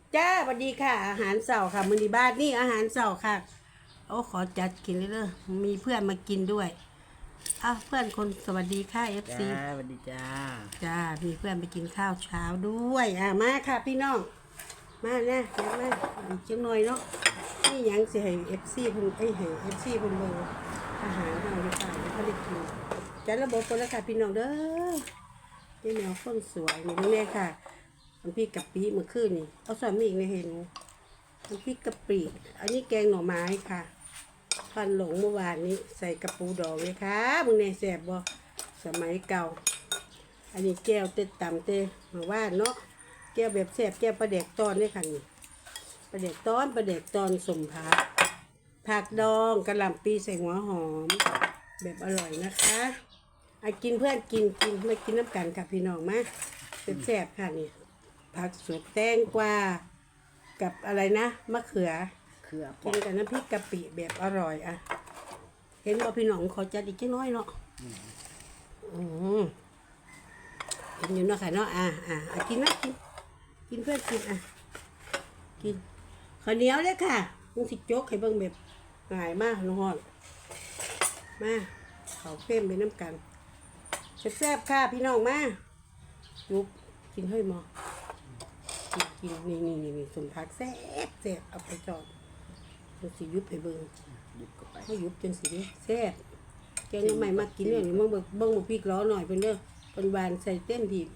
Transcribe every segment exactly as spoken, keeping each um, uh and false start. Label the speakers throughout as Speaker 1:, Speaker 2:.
Speaker 1: จ้าสวัสดีค่ะอาหารเสาร์ค่ะมื้อนี้บ้านนี่อาหารเสาร์ค่ะโอ้ขอจัดกินเลยเด้อมีเพื่อนมากินด้วยอ้าวเพื่อนคนสวัสดีค่ะ เอฟ ซี
Speaker 2: จ้าสวัสดีจ้า
Speaker 1: จ้ามีเพื่อนไปกินข้าวเช้าด้วยอ่ะมาค่ะพี่น้องมานะมามาอีกจังหน่อยเนาะนี่หยังสิให้ เอฟ ซี เพิ่นเอ้ยให้ เอฟ ซี เพิ่นเบิ่งอาหารเฮาดีกว่าเดี๋ยวเขาได้กินจัดระบบกันแล้วค่ะพี่น้องเด้อนี่แมวคนสวยนี่นี่แน่ค่ะน้ำพริกกะปิเมื่อคืนนี่เอาใส่มาอีกในเห็นน้ำพริกกะปิอันนี้แกงหน่อไม้ค่ะพันหลงเมื่อวานนี้ใส่กระปูดองเลยค่ะมึงในแสบบ่สมัยเก่า อันนี้แก้วเต็ดต่ำเตะมาว่าเนาะแก้วแบบแสบแก้วปลาเด็กตอนด้วยค่ะนี่ปลาเด็กตอนปลาเด็กตอนสมผักผักดองกระหล่ำปีใส่หัวหอม แบบอร่อยนะคะไอากินเพื่อนกินกินไม่กินน้ำกันค่ะพี่น้องมาเป็นแสบค่ะนี่ผักสดแตงกวากับอะไรนะมะเขือ
Speaker 2: เครือป
Speaker 1: กิ
Speaker 2: อน ก
Speaker 1: กับน้ำพริกกะปิแบบอร่อยอ่ะเห็นว่าพี่น้องขอจัดอีกแค่น้อยเนาะอืม กินอยู่เนาะค่ะเนาะอ่ะอ่ะอ่ะกินนะกินกินเพื่อนกินอ่ะกินข้าวเหนียวเลยค่ะมึงสิโจ๊กให้เบิ่งแบบง่ายมากน้องฮอดมาเขาเพิ่มไปน้ำกันแซ่บๆค่ะพี่น้องมายุบกินให้หมอกินกินนี่นี่นี่นี่สมผักแซ่บแซ่บเอาไปจอดมึงสิยุบให้เบิ่ง
Speaker 2: หยิบเข้าไป
Speaker 1: ให้ยุบจนสิแซ่บแกงยังใหม่มากินเนี่ยนี่มึงเบิ่งเบิ่งบ่พริกล้อหน่อยเพิ่นเด้อเป็นหวานใส่เต็มที่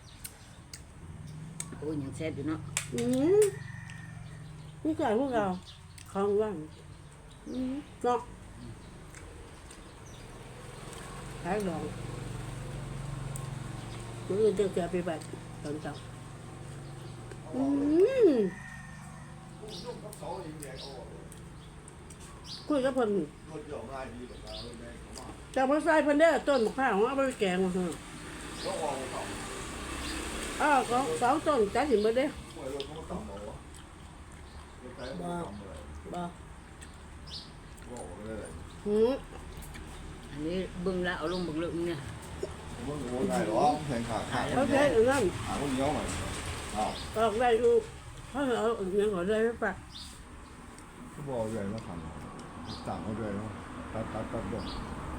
Speaker 2: โอ้ยยังแซ่บอยู่เนาะ
Speaker 1: อืมนี่ไก่พวกเราของว่างอืมเนาะขายดองมื้ออื่นจะเสียไปแบบตอนเช้าอืมคุยกับเพิ่นจากภาษาเพิ่นเด้อต้นมะพร้าวเอาไปแกงมาเถอะอ้าวก็สองต้นจัดสิบ่เด้บ่บ่หืม
Speaker 2: อันนี้เบิ่งแล้วเอาลงเบิ่งเรื่องเนี่ย
Speaker 3: Muốn mua này đó, thành khả khả
Speaker 1: เขาใช้อันนั้น
Speaker 3: khả con nhớ mày. À,
Speaker 1: ออกได้อยู่เขาเอาอันนั้นก็ได้ปะ
Speaker 3: cái bò về nó thẳng, thẳng nó về nó tắt tắt tắt được.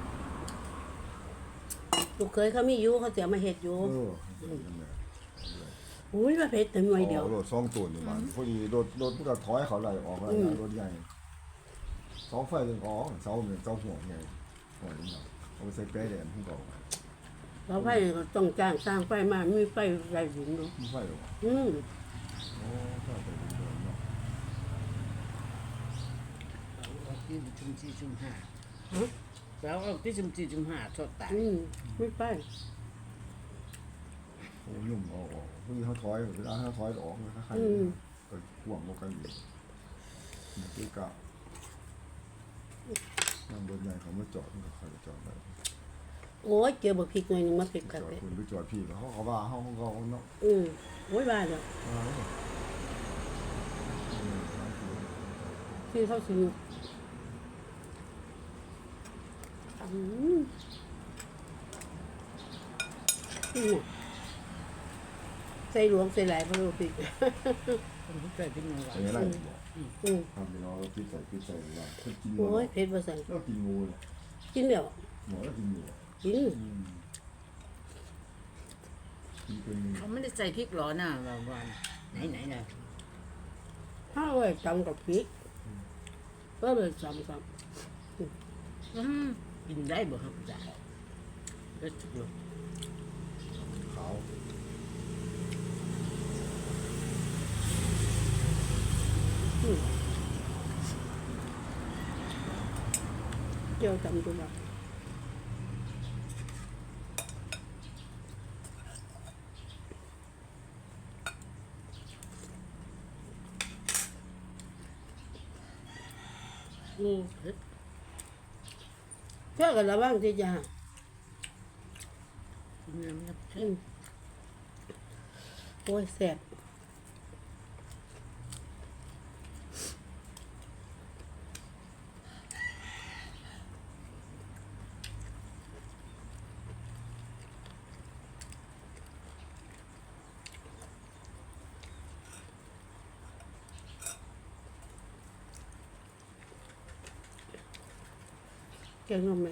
Speaker 1: ลูกเคยเขามีอยู่เขาเสียมาเห็ดอยู่
Speaker 3: Ừ.
Speaker 1: อุ้ยมาเผ็ดแต่หน่วยเดียว
Speaker 3: Ồ, đột xong tuần thì mà, có gì đột đột cái thóiเขาlạiออกlại
Speaker 1: Ừ.
Speaker 3: đột nhảy. Sáu phẩy đừng có, sáu mình sáuหัวไงหัวนี่เนาะเอาไปใส่แป้แดงพุ่งก่อน
Speaker 1: เราไฟก็ต้องจ้างสร้างไฟมามีไฟไรหินเนาะ
Speaker 3: ไม่ใช่หรอ
Speaker 1: อืม
Speaker 3: โอ้ถ้าไปดูเดินเนาะ
Speaker 2: เอาที่จุ่มสี่จุ่มห้าแล้วเอาที่จุ่มสี่จุ่มห้าทอดตา
Speaker 1: อืมไม่ไฟ
Speaker 3: โอ้ยุ่งเอาออกพวกนี้เขาถอยเวลาเขาถอยออกมันก็ใครก็ห่วงกันอยู่คือกะนั่งรถใหญ่เขาไม่จอดมันก็ใครจอดได้
Speaker 1: โอ้ยเจอบักพริกหน่อยหนึงมาเผ็ด
Speaker 3: จ
Speaker 1: กัน
Speaker 3: อด
Speaker 1: เลย
Speaker 3: คุณไปจอดพี่เขาเขาว่าเขาเขาเนาะ
Speaker 1: อืมโอ้ยบ้าเนาะที่เขาสิอืมอืมใส่หลวงใส่หลายเพราะบักพริก
Speaker 2: คนที่เกิดเป็นยังไง
Speaker 3: อย่างนี้ไรบอก
Speaker 1: อืม
Speaker 3: ทำไปเนาะพิษใส่พิษใส่ว่ากินงู
Speaker 1: โอ้ยเผ็ดบ่ใส่
Speaker 3: แล้วกินงูเลย
Speaker 1: กินเดี๋ยว
Speaker 3: หมอแล้วกินงู
Speaker 1: กิน
Speaker 3: กินเป็น
Speaker 2: เขาไม่ได้ใส่พริกหรอน่ะบางวันไหนไหนน่ะ
Speaker 1: ข้าวไว้จำกับพริกก็เลยจำกับ
Speaker 2: อืมกินได้บ่ครับจ้ะเด็ดจุกเลย
Speaker 3: ขาว
Speaker 1: เจียวจำตัวแบบอืม
Speaker 2: เฮ็ด
Speaker 1: เชื่อกันแล้วบ้างที่จะ
Speaker 2: กินน้ำน้ำ
Speaker 1: อืมโอ้ยแสบแกงนมไหม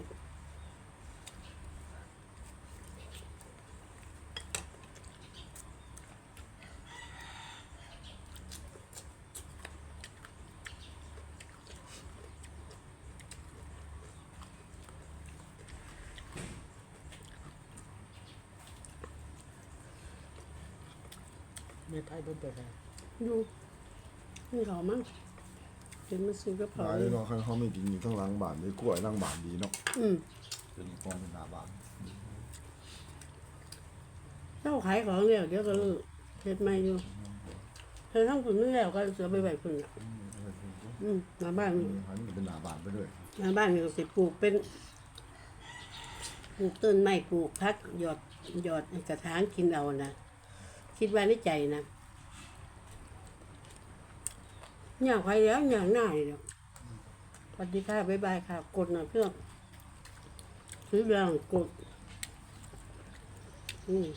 Speaker 2: ไม่ไทยบ่ไปได้
Speaker 1: ดูนี่เขามั้งเห็นมันซื้อกระเพรา
Speaker 3: หลายเนาะคันเขาไม่กินอยู่ข้างหลังบ้านได้กล้วยหลังบ้านดีเนาะ
Speaker 1: อืม
Speaker 3: เป็นกองเป็นหน้าบ้าน
Speaker 1: เจ้าขายของเนี่ยเดี๋ยวก็เลิกเฮ็ดใหม่อยู่เธอทั้งคนนึงแล้วก็เสือไปไหวคนอ่ะอืมหน้าบ้านนี่
Speaker 3: หันเป็นหน้าบ้านไปด้วย
Speaker 1: หน้าบ้านนี่ก็สิปลูกเป็นปลูกต้นไม้ปลูกพักหยอดหยอดกระถางกินเอานะคิดว่าในใจนะอยากไปแล้วอยากหน้าเลยสวัสดีค่ะบ๊ายบายค่ะ กดหน่อยเพื่อนซื้อเรื่องกดอืม